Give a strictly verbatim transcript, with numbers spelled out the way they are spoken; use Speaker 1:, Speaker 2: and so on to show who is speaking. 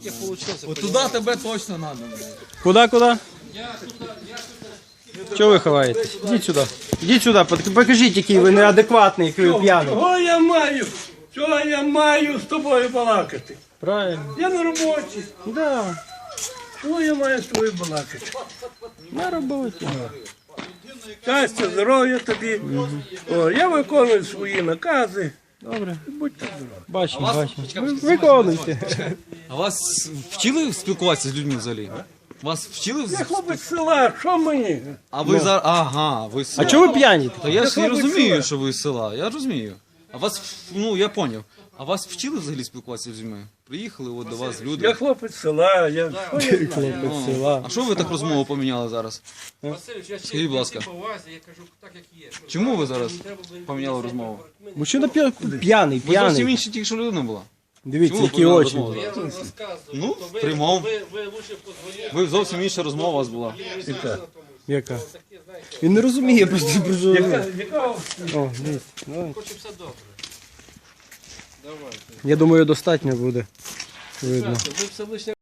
Speaker 1: таке вийшло.
Speaker 2: От туди тебе точно треба.
Speaker 3: Куда, куда? Чого ви ховаєтесь? Ідіть сюди. Ідіть сюди, пок- покажіть, який ви неадекватний, який ви п'яний.
Speaker 4: Чого я маю? Чого я маю з тобою балакати?
Speaker 3: Правильно.
Speaker 4: Я на роботі.
Speaker 3: Да,
Speaker 4: Чого я маю з тобою балакати?
Speaker 3: на роботі.
Speaker 4: Щастя, здоров'я тобі. О, я виконую свої накази.
Speaker 3: Добре.
Speaker 4: Будьте здорові.
Speaker 3: Бачимо, бачимо. Ви- Виконуйте.
Speaker 2: А вас вчили спілкуватися з людьми взагалі? Вас вчили?
Speaker 4: Я хлопець з села, що мені?
Speaker 2: А ви зараз. Ага, ви з
Speaker 3: А
Speaker 2: села.
Speaker 3: чого ви п'яні?
Speaker 2: Та я ж не
Speaker 4: хлопець
Speaker 2: розумію,
Speaker 4: села.
Speaker 2: що ви з села. Я розумію. А вас, ну я поняв. А вас вчили взагалі спілкуватися з людьми? Приїхали от до вас люди.
Speaker 4: Я хлопець з села, я що я знаю?
Speaker 3: Хлопець села.
Speaker 2: А що ви так розмову поміняли зараз?
Speaker 1: Васильович, я
Speaker 2: Скажіть, будь ласка.
Speaker 1: по увазі, я кажу так, як є.
Speaker 2: Чому ви зараз поміняли розмову?
Speaker 3: Мужчина п'я- п'яний,
Speaker 2: Ви зовсім
Speaker 3: п'яний.
Speaker 2: інша тільки що людина була.
Speaker 3: Дивіться,
Speaker 2: Чому ви
Speaker 3: які
Speaker 2: поміняли
Speaker 3: очі.
Speaker 2: розмову
Speaker 1: Я
Speaker 2: зараз?
Speaker 1: вам розказую.
Speaker 2: Ну,
Speaker 1: то ви,
Speaker 2: приймав.
Speaker 1: ви, ви лучше позвоніть.
Speaker 2: Ви зовсім інша розмова у вас була.
Speaker 3: Яка? Він не розуміє просто про що.
Speaker 4: Яка- яка-
Speaker 3: О, дивіться. Давай.
Speaker 1: Хочу все добре. Давайте.
Speaker 3: Я думаю, достатньо буде. Видно.
Speaker 1: Ви все лише